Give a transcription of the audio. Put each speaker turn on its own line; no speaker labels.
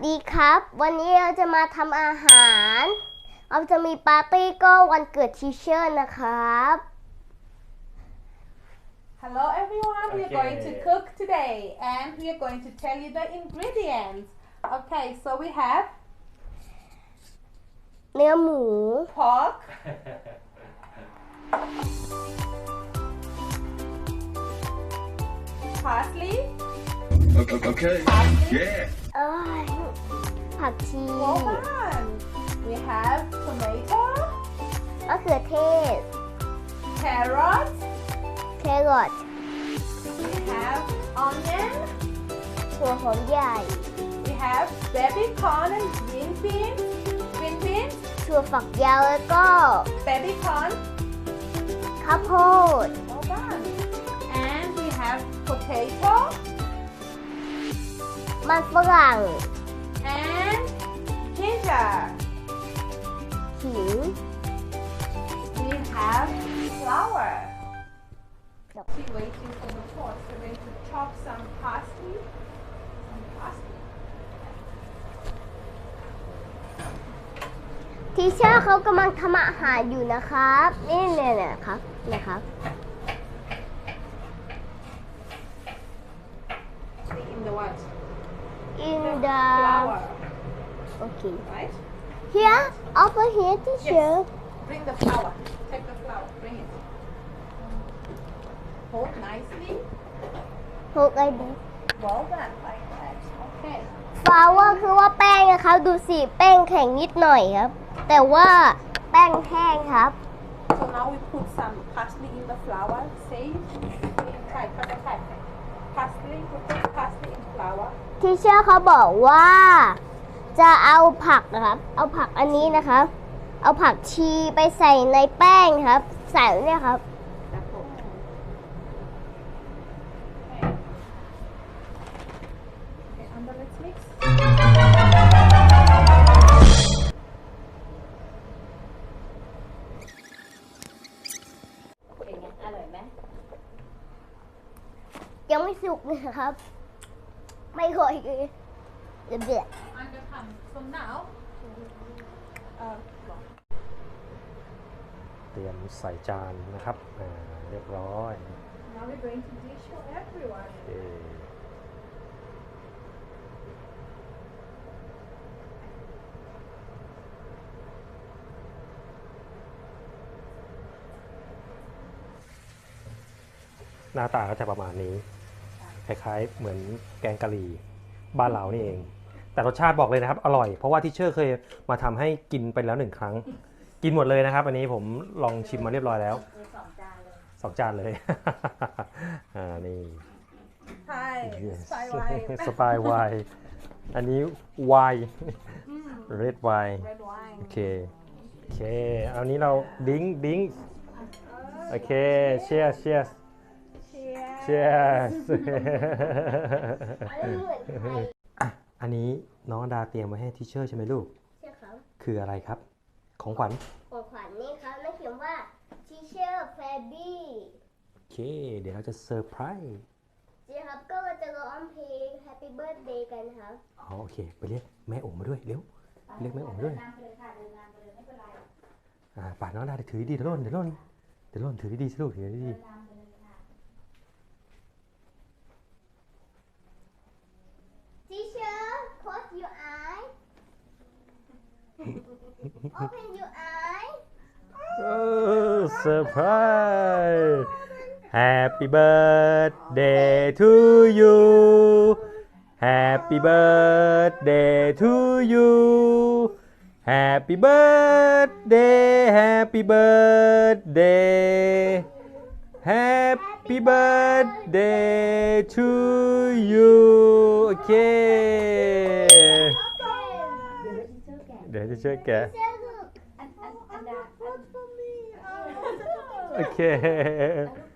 ดีครับวันนี้เราจะมาทำอาหารเราจะมีปาร์ตี้ก็วันเกิดทีเชอร์นะครับ
Hello everyone, we are going to cook today and we are going to tell you the ingredients. Okay, so we have
เนื้อหมู
pork, parsley,
Okay.
parsley,
Yeah.
ผักชี
well done. We have tomato,
มะเขือเทศ
carrot,
แครอท
we have onion,
ถั่วหอมใหญ่
we have baby corn and green beans,
ถั่วฝักยาวแล้วก็
baby corn,
ข้าวโพด
well done. And we have potato
มันฝรั่ง
and ginger.
ขิง
We have flour. She's waiting for the pot. So we're going to chop some parsley. Some parsley.
ทีเชอร์เขากำลังทำอาหารอยู่นะครับนี่เนี่ยนะครับนะครับ
In the what?
in the
Flour.
okay
Right?
here over here teacher
Bring the flour. Take the flour. Bring it. Hold nicely.
หกไอดี
Well done. Like that. Okay.
ฟาว่าคือว่าแป้งนะครับดูสิแป้งแข็งนิดหน่อยครับ แต่ว่าแป้งแห้งครับ
So now we put some parsley in the flour. Say, try, try. Parsley. We put parsley in flour.
ทีเชอร์เขาบอกว่าจะเอาผักนะครับ เอาผักอันนี้นะครับ เอาผักชีไปใส่ในแป้งครับ ใส่เนี่ยครับ
That's all. Okay, and then let's mix.
เป็นไงอร่อยไหม
ยังไม่สุกเลยครับ ไม่ค่อยเลยเดือด
I'm gonna come. So now,
เตรียมใส่จานนะครับเรียบร้อย
now we're going to dish for everyone.
โอเคหน้าตาก็จะประมาณนี้ คล้ายๆเหมือนแกงกะหรี่บ้านเรานี่เอง แต่รสชาติบอกเลยนะครับ อร่อย เพราะว่าที่เชอร์เคยมาทำให้กินไปแล้ว1 ครั้ง กินหมดเลยนะครับ อันนี้ผมลองชิมมาเรียบร้อยแล้ว 2 จานเลย นี่
Hi, spy
สปายไวน์อันนี้ไวน์เรดไวน์
red wine.
โอเคเอานี้เราดิ้งโอเคเชียร์ อันนี้น้องดาเตรียมไว้ให้ทิเชอร์ใช่ไหมลูก
ๆใช่ครับ
คืออะไรครับ ของขวัญ
ของขวัญนี่ครับแล้วเขียนว่า teacher Fabby
โอเค เดี๋ยวเราจะเซอร์ไพรส์
นี่ครับก็เราจะร้องเพลง Happy Birthday กันครับ
อ๋อโอเค ไปเรียกแม่โอ๋มาด้วยเร็วเรียกแม่โอ๋ด้วยป่าน้องดาถือดีเดี๋ยวล่นถือดีๆสิลูกถือดี
Teacher close your eye open your eye
เซอร์ไพรส์ Happy birthday to you Happy birthday to you Happy birthday Happy birthday Happy birthday to you โอเค เดี๋ยวจะช่วยแกะ
Teacher look
อันดา
โอเค